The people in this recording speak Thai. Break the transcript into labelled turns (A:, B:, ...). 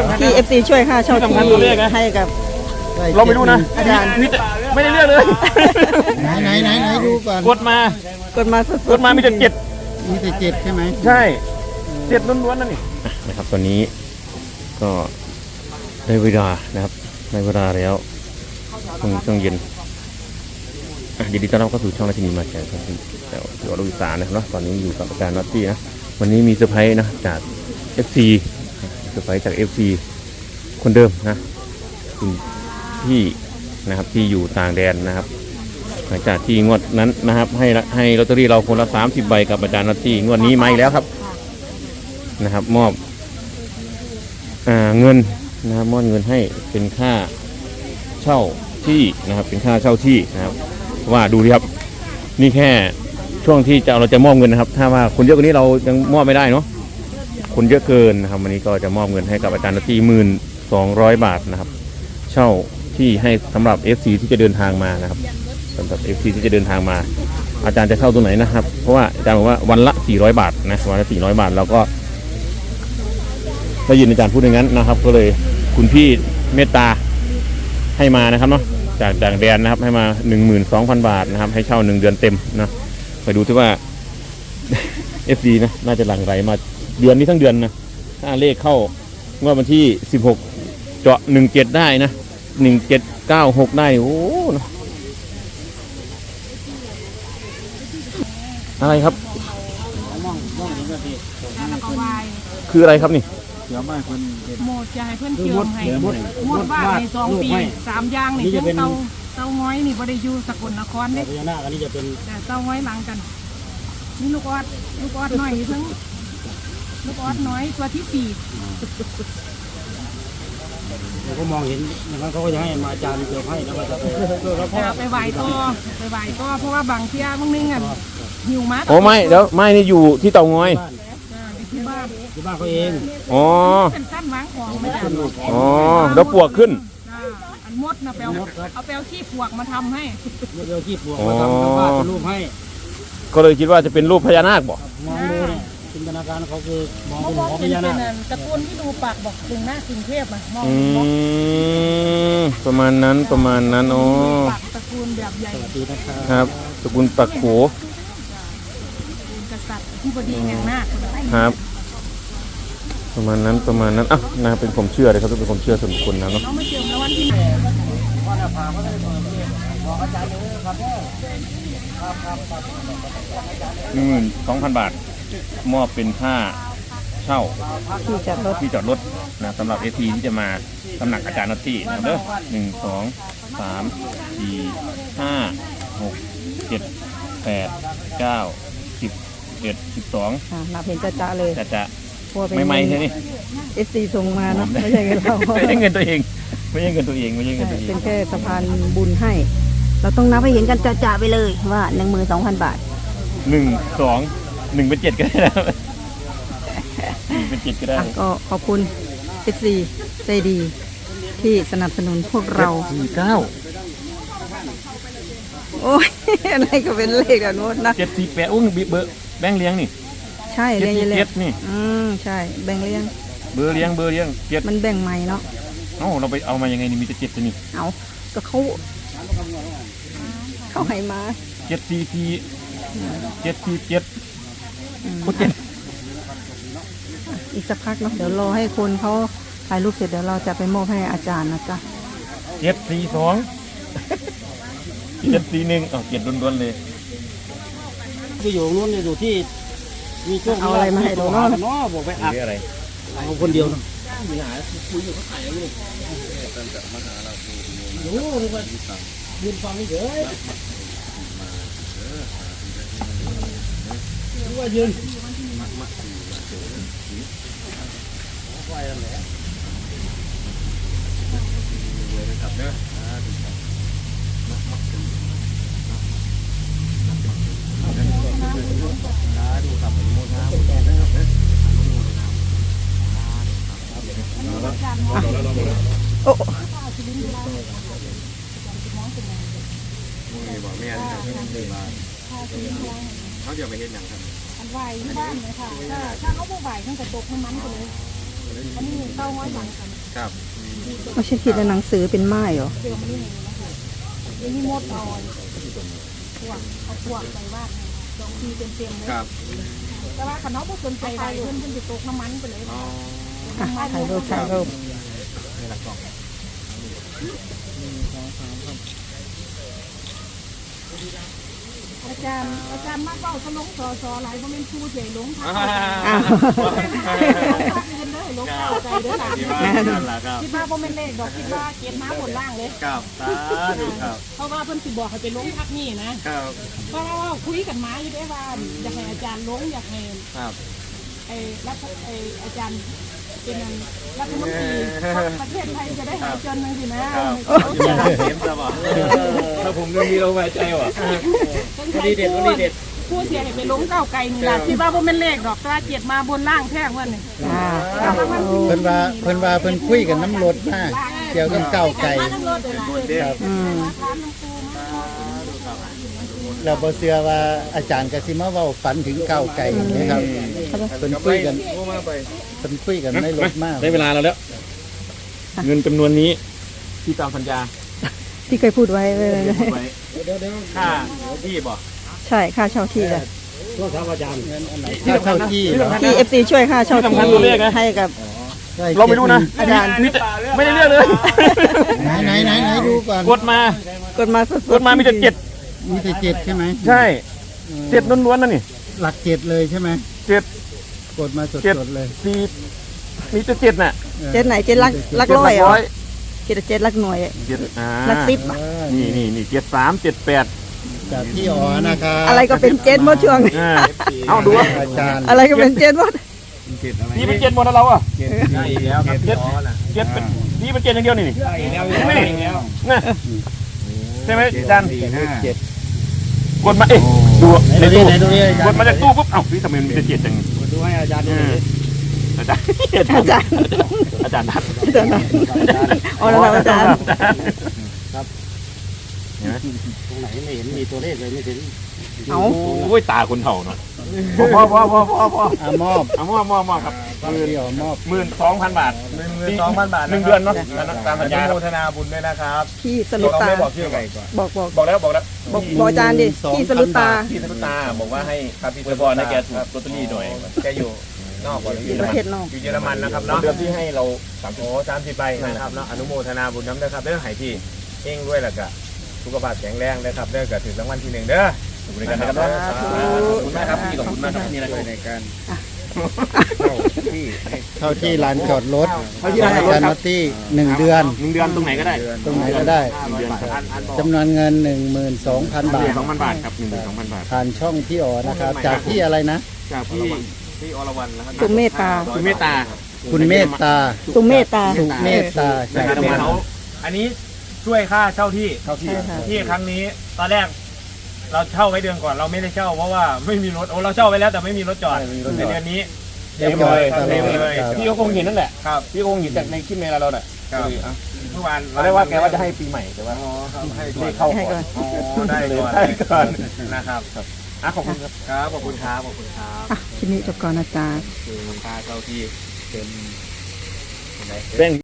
A: ที่ FC ช่วยค่าเช่าที่ให้กับ
B: เราไม่รู้นะ
A: อาจารย์
B: ไม่ได้เรื่องเลย
C: ไหนดูก่อน
B: กดมามีแต่7
C: ใช่ไหม
B: ใช่7ล้วนๆนั่นนี่นะครับตอนนี้ก็ได้เวลานะครับในเวลาแล้วช่วงเย็นยินดีต้อนรับเข้าสู่ช่องราชินีมาแชร์ครับแต่อยู่ลูกอีสานนะครับเนาะตอนนี้อยู่กับอาจารย์น็อตตี้นะวันนี้มีเซอร์ไพรส์นะจาก FC เซอร์ไพรส์จาก FC คนเดิมนะคุณพี่นะครับที่อยู่ต่างแดนนะครับหลังจากที่งวดนั้นนะครับให้ลอตเตอรี่เราคนละ30 ใบกับอาจารย์น็อตตี้งวดนี้มาอีกแล้วครับนะครับมอบเงินนะครับมอบเงินให้เป็นค่าเช่าที่นะครับเป็นค่าเช่าที่นะครับว่าดูดิครับนี่แค่ช่วงที่เราจะมอบเงินนะครับถ้าว่าคนเยอะกว่านี้เรายังมอบไม่ได้เนาะคนเยอะเกินนะครับวันนี้ก็จะมอบเงินให้กับอาจารย์น็อตตี้1,200 บาทนะครับเช่าที่ให้สำหรับ FC ที่จะเดินทางมานะครับสำหรับ FC ที่จะเดินทางมาอาจารย์จะเช่าตัวไหนนะครับเพราะว่าอาจารย์บอกว่าวันละ400 บาทนะวันละ400 บาทเราก็ได้ยินอาจารย์พูดอย่างนั้นนะครับก็เลยคุณพี่เมตตาให้มานะครับเนาะจากต่างแดนนะครับให้มา 12,000 บาทนะครับให้เช่า1 เดือนเต็มนะไปดูที่ว่า FD นะน่าจะหลั่งไหลมาเดือนนี้ทั้งเดือนนะถ้าเลขเข้างวดวันที่16เจาะ17ได้นะ1796ได้โอ้อะไรครับคืออะไรครับนี่
D: เดี๋ยวมาคน
E: หมดจะให้เพื่อนเชื่อมให้หมดบ้านใน2 ปี3อย่างนี่ทั้งเตาง้อยนี่บ่ได้อยู่สกลนครเด้
D: พญานาคอันนี้จะเป็น
E: แต่เตาง้อยหลังกันนี่ลูกออดน้อยทั้งลูกออดน้อยตัวที่4
D: เราก็มองเห็นอย่างนั้นเขาก็จะให้มาอาจารย์เกี่ยวให้แล้วก็จะ
E: ไปไหว้ต่อเพราะว่าบางเที่ยบางนึงอ่ะหิวมา
B: โอ้ไม่เดี๋ยวไม่นี่อยู่ที่เตางอย
E: ที่บ้าน
D: เขาเอง
B: อ๋อ
E: เป็นสั้นวางของไม่ได้
B: อ๋อแล้วปวกขึ้น
E: อันมดนะเอาแปลขี้ปวกมาทำให้
D: เดี๋ยวขี้ปวกมาทำบ้านเป็นรูปให้
B: ก็เลยคิดว่าจะเป็นรูปพญานาคบอก
D: มองดูเนี่ยจินตนาการเขาคือมองเป็นหัวพญานาค
E: ตะกูลที่ดูปากบอกถึงหน้ากรุงเทพอ่ะมอง
B: ประมาณนั้นอ๋อ
E: ตระกูลแบบใหญ่
B: ครับตระกูลปักโข
E: กษัตริย์ที่บดีแห่งนาค
B: ครับประมาณนั้นอ่ะนะเป็นผมเชื่อเลยครับเป็นผมเชื่อส่วนบุคคลนะเนาะ
E: ไม่เชื่อแล้ววันที่
B: 12,000 บาทมอบเป็นค่าเช่าที่จอดรถนะสำหรับ FT ที่จะมาตำหนักอาจารย์น็อตตี้นะเด้อ1 2 3 4 5 6 7 8 9 10 11 12
A: นับเห็นจะเลย
B: จะไม่ใช่นี่
A: FC ส่งมาเนาะไม่ใช่เงินเรา
B: ไม่ใช่เงินตัวเอง
A: เป็นแค่สะพานบุญให้เราต้องนับให้เห็นกันจะไปเลยว่า 12,000 บาท
B: 1 2 1เป็น7ก็ได้นะ1เป็น7ก็ได้
A: ก็ขอบคุณ FC ใจดีที่สนับสนุนพวกเรา
B: 49
A: โอ้ยอะไรก็เป็นเลขแบบโน้นนะ
B: 748อุ้งเบอร์แบงค์เลี้ยงนี่
A: ใช่เลี้ยง
B: นี่
A: ใช่แบ่งเลี้ยง
B: เบอร์เลี้ยง
A: มันแบ่งใหม่เนาะ
B: เราไปเอามายังไงนี่มีแต่7ตัวนี่
A: เอาก็เขาให้มาอีกสักพักเนาะเดี๋ยวรอให้คนเขาถ่ายรูปเสร็จเดี๋ยวเราจะไปมอบให้อาจารย์นะจ๊ะ
B: 742 741เอา7ล้วนๆเลย
D: คืออยู่นู้นอยู่ที่มีช่วง
A: เอาอะไรมาให้เราเนาะ
D: บอกไปอัด
B: อะไร
D: เอาคนเดียวมีหาคุยอยู่เขาถ่ายอยู่เลยโอ้โหนี่ว่ายืนฟังนี่เฉยว่ายืนไหวแล้วแหละครับเด้อดูครับโมนา
A: โอ้
B: บอกแม่เขาเดี๋ยวไปเห็นอย่างครับ
E: อันไหวที่บ้านเลยค่ะถ้าเขาบ่ไหวตั้งแต่ตกน้ำมันไปเลยอันนี้เต้าง้อยหลังกัน
B: ครับ
A: ไม่ใช่ขีดในหนังสือเป็นไม้เหรอ
E: ยังมีหมดเอาพวกเอาพวกไปวาดสองทีเต็มๆเลย
B: ครับ
E: แต่ว่าคันน้องบ่สนใจใดเพิ่นจะตกน้ำมันไปเลย
B: อ๋อ
A: อ่ะถ่ายรูปถ่ายรูป
E: อาจารย์มาเป้าเขาลงสอหลายบ่แม่นครูใหญ่ลงทัก
A: อ้าว
E: เงินเด้อลงเข้าใจเด้อหลาน
B: นั่นแหละครับ
E: คิดว่าบ่แม่นเลขดอกคิดว่าเก็บมาบนล่างเลย
B: ครับสาธุครับ
E: เพราะว่าเพิ่นสิบอกให้ไปลงทักนี่นะครับ เพราะว่าคุยกันมาอยู่ได้ว่าอยากให้อาจารย์ลงอยากให้
B: ครับ
E: อาจารย์เป็นรัฐมนตรีประเทศไทยจะได้หายจนนึงสินะ
B: ถ้าผมยังมีเราไว้ใจว่ะ
E: วันนี้เด็ดผู้เสียให้ไปลงก้าวไกลนี่ล่ะคิดว่าบ่แม่นเลขดอกแต่ว่าเจ็ดมาบนล่างแท้งวันนี้
A: อ่า
C: เพิ่นว่าเพิ่นคุยกันน้ำรถมาเกี่ยวกับก้าวไก่
E: มาทั้งรถเลยล่ะ
A: อืม
E: ร้านน้ำปูมา
C: เราบ่เชื่อว่าอาจารย์ก็สิมาเว้าฝันถึงก้าวไก่นะครับเพิ่นคุยกันในรถมาก
B: ได้เวลาเราแล้ว เงินจำนวนนี้ที่ตามสัญญา
A: ที่เคยพูดไว้เลย
B: ไว้ค่าที่บ่
A: ใช่ค่าเช่าที่จ้ะ
C: ถ้าเข้าที่เหรอ
A: ที่ FC ช่วยค่าเช่าที่ให้กับ
B: เราไม่รู้นะ
A: อาจารย์
B: มีแต่ไม่ได้เรื่องเลย
C: ไหนดูก่อน
B: กดมา
A: กดมาสดๆ
B: กดมามีแต่เจ็ด
C: มีแต่เจ็ดใช่ไหม
B: ใช่เจ็ดล้วนๆนั่นนี่
C: หลักเจ็ดเลยใช่ไหม
B: เจ็ด
C: กดมาสดๆเลย
B: สี่มีแต่เจ็ดน่ะ
A: เจ็ดไหนเจ็ดลักร้อยเหรอเจ็ดเจ็ดลักหน่วย
B: เจ็ด
A: ลักสิบ
B: นี่เจ็ดสามเจ็ดแปด
C: จากพี่อ๋อนะครับ
A: อะไรก็เป็นเจ็ดหมดช่วงนี้
B: เอาดู
C: อาจารย์
A: อะไรก็เป็นเจ็ดหมด
B: นี่เป็นเจ็ดหมดแล้วเราอ่ะเจ็ดแล้วครับเจ็ดเป็นนี่เป็นเจ็ดอย่างเดียวนี่ใช่ไหมนี่นะใช่ไหมอาจารย์
C: เจ็ด
B: กดมาเอ๊ะดูในตู้
C: ไหนดูดิ
B: กดมาจากตู้ปุ๊บเอ้าพี่ทำไมมันเป็นเจ็ดจัง
C: ดูให้อาจารย์ดู
B: อาจารย์
A: อาจารย์
B: อาจารย์นัด
A: อาจารย์นะอ๋อแล้วอาจารย์
B: เห็นไหม
D: ตรงไหนไม่เห็นมีตัวเลขเลยไม่เห็น
A: เอา
B: โอ้ยตาคนเฒ่าเนาะพอ
C: มอบ
B: เอามอบครับ
C: พี่อ๋อมอบ
B: 12,000 บาท
D: 12,000 บาท
B: 1 เดือนเนาะตามสัญญา
D: อนุโมทนาบุญด้วยนะครับ
A: พี่สรุปตา
B: บอกชื่อก่อน
A: บอก
B: แล้ว
A: บอกอาจารย์ดิพี่สรุปตา
B: พี่ธนุตาบอกว่าให้ครับพี่บอลให้แกถูกลอตเตอรี่หน่อย
D: แกอยู่นอกก่อน
A: อยู่ประเทศนอก
D: อยู่เยอรมันนะครับเนาะ
B: เดือนที่ให้เรา
D: โอ้30 ใบนะครับเนาะอนุโมทนาบุญน้ำนะครับเด้อให้พี่เองด้วยล่ะก็สุขภาพแข็งแรงนะครับเด้อก็ถึงรางวัลที่1เด้อ
B: ขอบคุณกันนะครับขอบคุณมากครับพี่ขอบคุณมากครับนี่นะครับในการ
C: เข้าที่ลานจอดรถอาจารย์นอตตี้1 เดือน
B: 1 เดือนตรงไหนก็ได้
C: ตรงไหนก็ได้
B: 1 เดือนครับ
C: จำนวนเงิน 12,000 บาท
B: 12,000 บาทครับ 12,000 บาท
C: ผ่านช่องพี่อ๋อนะครับ จากที่อะไรนะ
B: จากพี่
D: อรวรรณนะครับ
A: สุเมตตา
B: คุณเมตตา
C: คุณเมตตา
A: สุเมตตา
C: สุเมตตา
B: นะ
C: จาก
B: ครับ
C: เพจ
D: เขาอันนี้ช่วยค่าเช่าที่
B: เข้าที่
A: ใช่ค่ะ
D: ที่ครั้งนี้ตอนแรกเราเช่าไว้เดือนก่อนเราไม่ได้เช่าเพราะว่าไม่มีรถเราเช่าไว้แล้วแต่ไม่มีรถจอดในเดือนนี้
C: เรียบร้อยตลอด
D: เต็มเลย
C: ครับ
B: พี่ก็คงเห็นนั่นแหละ
D: ครับ
B: พี่ก็คงเห็นจากในคลิปในเราแหละ
D: เมื่อวาน
B: เราได้ว่าแกว่าจะให้ปีใหม่แต่ว่า
D: ให้
B: เล
D: ก่อน
B: ขเข้า
A: ให้
B: ก่
A: ก่
B: อ
A: อน น
D: ได้ก่อน
B: ได้ก่อน
D: นะครับ
B: ขอบคุณครับ
D: ครับขอบคุณครับขอบคุณครับ
A: อ่ะคลิปนี้จบก่อนนะจ๊ะ
D: คือค่าเช่าที่เป็น
B: แป้ง